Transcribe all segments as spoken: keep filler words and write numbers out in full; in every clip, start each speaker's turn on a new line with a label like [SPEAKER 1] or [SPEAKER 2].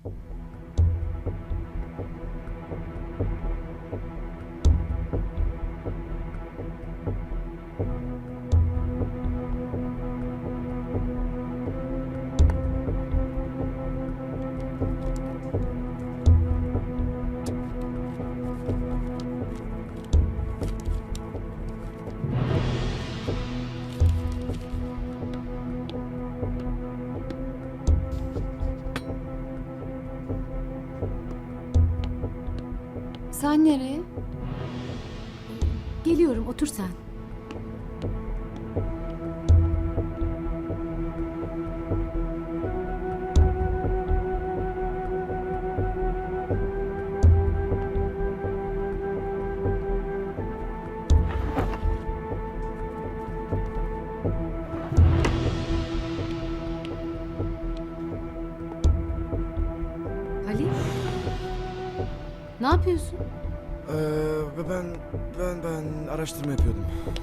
[SPEAKER 1] Sen nereye?
[SPEAKER 2] Geliyorum, otur sen. Halil? Ne yapıyorsun?
[SPEAKER 3] Ee, ben, ben, ben araştırma yapıyordum.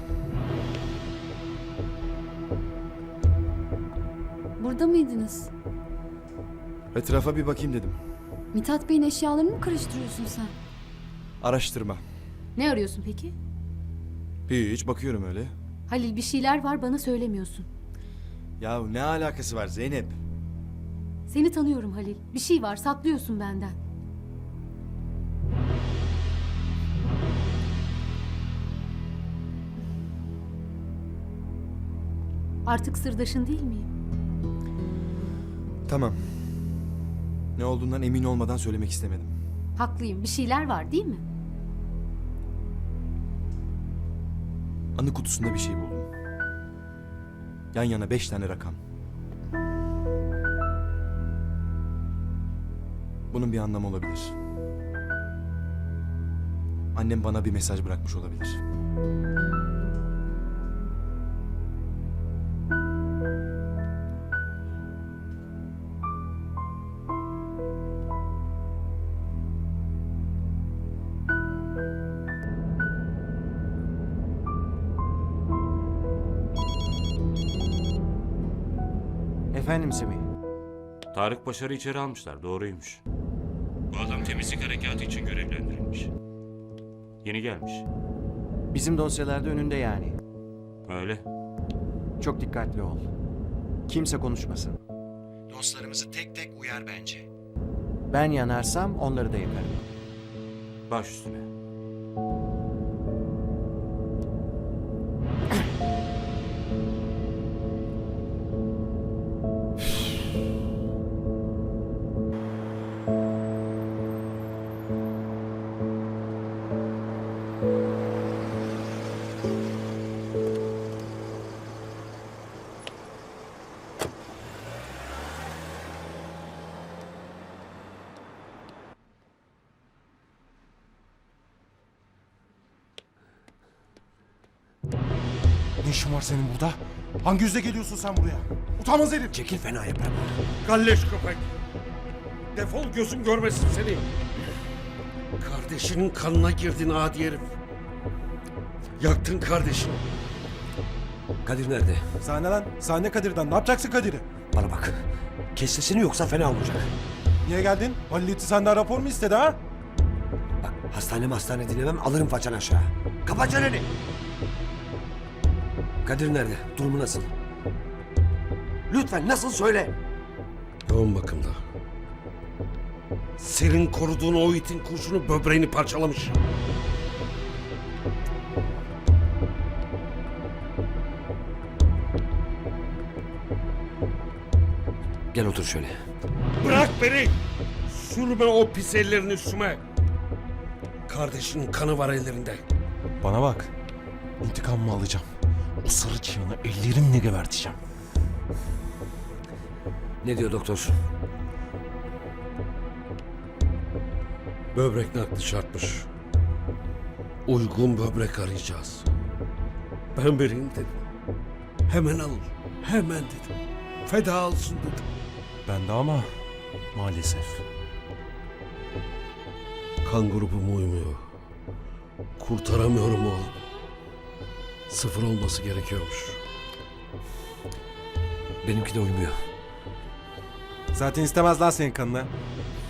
[SPEAKER 1] Burada mıydınız?
[SPEAKER 3] Etrafa bir bakayım dedim.
[SPEAKER 1] Mithat Bey'in eşyalarını mı karıştırıyorsun sen?
[SPEAKER 3] Araştırma.
[SPEAKER 2] Ne arıyorsun peki?
[SPEAKER 3] Hiç bakıyorum öyle.
[SPEAKER 2] Halil, bir şeyler var, bana söylemiyorsun.
[SPEAKER 3] Ya ne alakası var Zeynep?
[SPEAKER 2] Seni tanıyorum Halil. Bir şey var, saklıyorsun benden. Artık sırdaşın değil miyim?
[SPEAKER 3] Tamam. Ne olduğundan emin olmadan söylemek istemedim.
[SPEAKER 2] Haklıyım. Bir şeyler var değil mi?
[SPEAKER 3] Anı kutusunda bir şey buldum. Yan yana beş tane rakam. Bunun bir anlamı olabilir. Annem bana bir mesaj bırakmış olabilir.
[SPEAKER 4] Efendim Semih.
[SPEAKER 5] Tarık Başar'ı içeri almışlar, doğruymuş. Bu adam temizlik harekatı için görevlendirilmiş. Yeni gelmiş.
[SPEAKER 4] Bizim dosyalarda önünde yani.
[SPEAKER 5] Öyle.
[SPEAKER 4] Çok dikkatli ol. Kimse konuşmasın. Dostlarımızı tek tek uyar bence. Ben yanarsam onları da yakarım.
[SPEAKER 5] Baş üstüne.
[SPEAKER 6] Ne işin var senin burada? Hangi yüzle geliyorsun sen buraya? Utanmaz herif!
[SPEAKER 7] Çekil, fena yaparım.
[SPEAKER 8] Galleş köpek! Defol, gözüm görmesin seni! Kardeşinin kanına girdin adi herif. Yaktın kardeşini.
[SPEAKER 7] Kadir nerede?
[SPEAKER 6] Sahne lan, sahne Kadir'den. Ne yapacaksın Kadir'i?
[SPEAKER 7] Bana bak. Kes sesini yoksa fena olacak.
[SPEAKER 6] Niye geldin? Halil İti senden rapor mu istedi ha?
[SPEAKER 7] Bak, hastane hastane dinlemem, alırım façan aşağı. Kapat çeneni! Kadir nerede? Durumu nasıl? Lütfen nasıl söyle?
[SPEAKER 8] Yoğun bakımda. Senin koruduğun o itin kurşunu böbreğini parçalamış.
[SPEAKER 7] Gel otur şöyle.
[SPEAKER 8] Bırak beni! Sürme o pis ellerini üstüme! Kardeşinin kanı var ellerinde.
[SPEAKER 6] Bana bak. İntikamımı alacağım. O sarı çıyanı ellerimle geberteceğim.
[SPEAKER 7] Ne diyor doktor?
[SPEAKER 8] Böbrek nakli şartmış. Uygun böbrek arayacağız. Ben vereyim dedim. Hemen alın. Hemen dedim. Feda olsun dedim.
[SPEAKER 6] Ben de ama maalesef.
[SPEAKER 8] Kan grubum uymuyor. Kurtaramıyorum oğlum. Sıfır olması gerekiyormuş.
[SPEAKER 7] Benimki de uymuyor.
[SPEAKER 6] Zaten istemez lan senin kanını.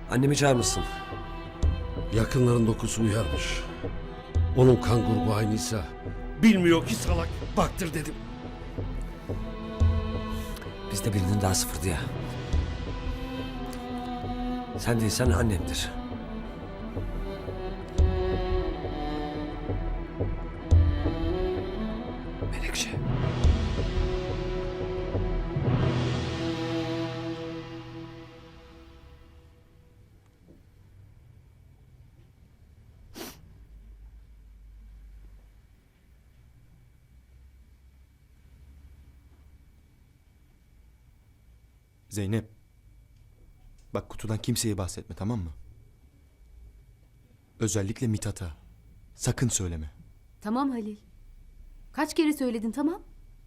[SPEAKER 7] Annemi çağırmışsın.
[SPEAKER 8] Yakınların dokusu uyarmış. Onun kan grubu aynıysa bilmiyor ki salak. Baktır dedim.
[SPEAKER 7] Bizde birinin daha sıfırdı ya. Sen değilsen annemdir. Menekşe.
[SPEAKER 3] Zeynep. Bak kutudan kimseye bahsetme, tamam mı? Özellikle Mithat'a. Sakın söyleme.
[SPEAKER 2] Tamam Halil. Kaç kere söyledin tamam?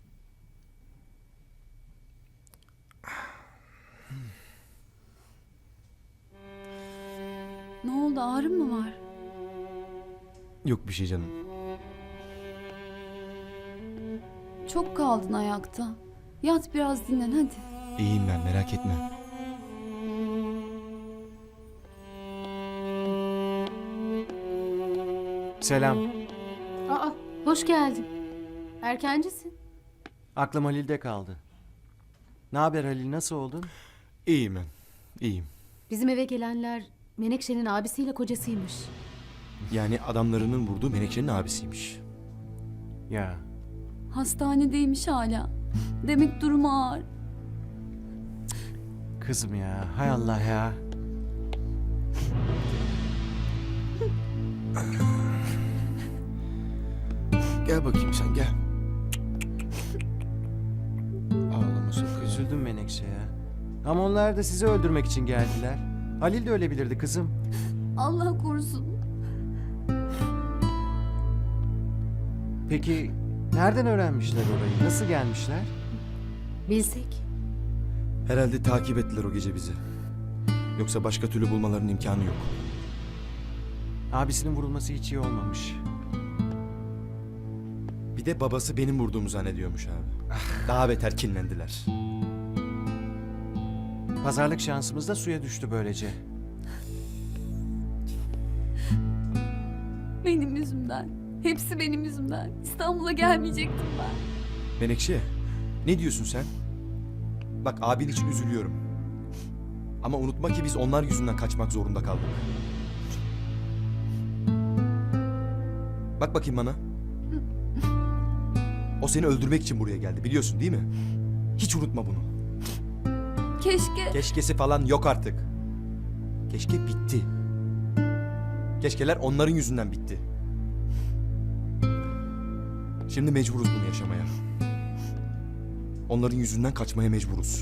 [SPEAKER 1] Ne oldu, ağrın mı var?
[SPEAKER 3] Yok bir şey canım.
[SPEAKER 1] Çok kaldın ayakta. Yat biraz dinlen hadi.
[SPEAKER 3] İyiyim ben, merak etme.
[SPEAKER 4] Selam.
[SPEAKER 2] Aa, hoş geldin. Erkencisin.
[SPEAKER 4] Aklım Halil'de kaldı. Ne haber Halil, nasıl oldun?
[SPEAKER 3] İyiyim ben, iyiyim.
[SPEAKER 2] Bizim eve gelenler Menekşe'nin abisiyle kocasıymış.
[SPEAKER 3] Yani adamlarının vurduğu Menekşe'nin abisiymiş.
[SPEAKER 4] Ya
[SPEAKER 1] Hastanedeymiş hala. Demek durumu ağır.
[SPEAKER 4] kızım ya, hay Allah ya.
[SPEAKER 3] Gel bakayım sen, gel. Ağlama sakın.
[SPEAKER 4] Üzüldüm Menekşe ya. Ama onlar da sizi öldürmek için geldiler. Halil de ölebilirdi kızım.
[SPEAKER 1] Allah korusun.
[SPEAKER 4] Peki nereden öğrenmişler orayı? Nasıl gelmişler?
[SPEAKER 2] Bilsek.
[SPEAKER 3] Herhalde takip ettiler o gece bizi. Yoksa başka türlü bulmalarının imkanı yok.
[SPEAKER 4] Abisinin vurulması hiç iyi olmamış.
[SPEAKER 3] Bir de babası benim vurduğumu zannediyormuş abi. Daha beter kinlendiler.
[SPEAKER 4] Pazarlık şansımız da suya düştü böylece.
[SPEAKER 1] Benim yüzümden. Hepsi benim yüzümden. İstanbul'a gelmeyecektim ben.
[SPEAKER 3] Menekşe, ne diyorsun sen? Bak abin için üzülüyorum. Ama unutma ki biz onlar yüzünden kaçmak zorunda kaldık. Bak bakayım bana. O seni öldürmek için buraya geldi, biliyorsun değil mi? Hiç unutma bunu.
[SPEAKER 1] Keşke.
[SPEAKER 3] Keşkesi falan yok artık. Keşke bitti. Keşkeler onların yüzünden bitti. Şimdi mecburuz bunu yaşamaya. Onların yüzünden kaçmaya mecburuz.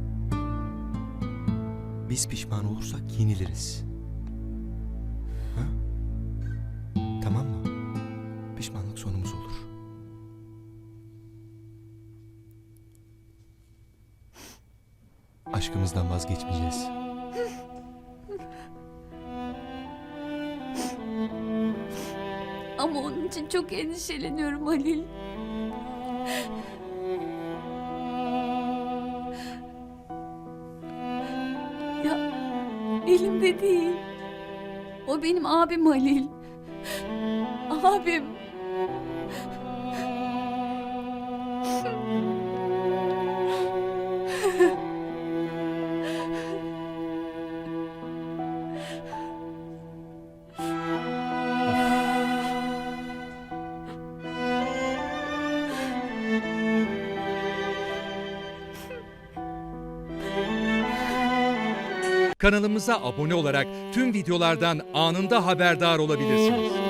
[SPEAKER 3] Biz pişman olursak yeniliriz. Ha? Tamam mı? Pişmanlık sonumuz olur. Aşkımızdan vazgeçmeyeceğiz.
[SPEAKER 1] Ama onun için çok endişeleniyorum Halil. Ya elimde değil. O benim abim Halil. Abim.
[SPEAKER 9] Kanalımıza abone olarak tüm videolardan anında haberdar olabilirsiniz.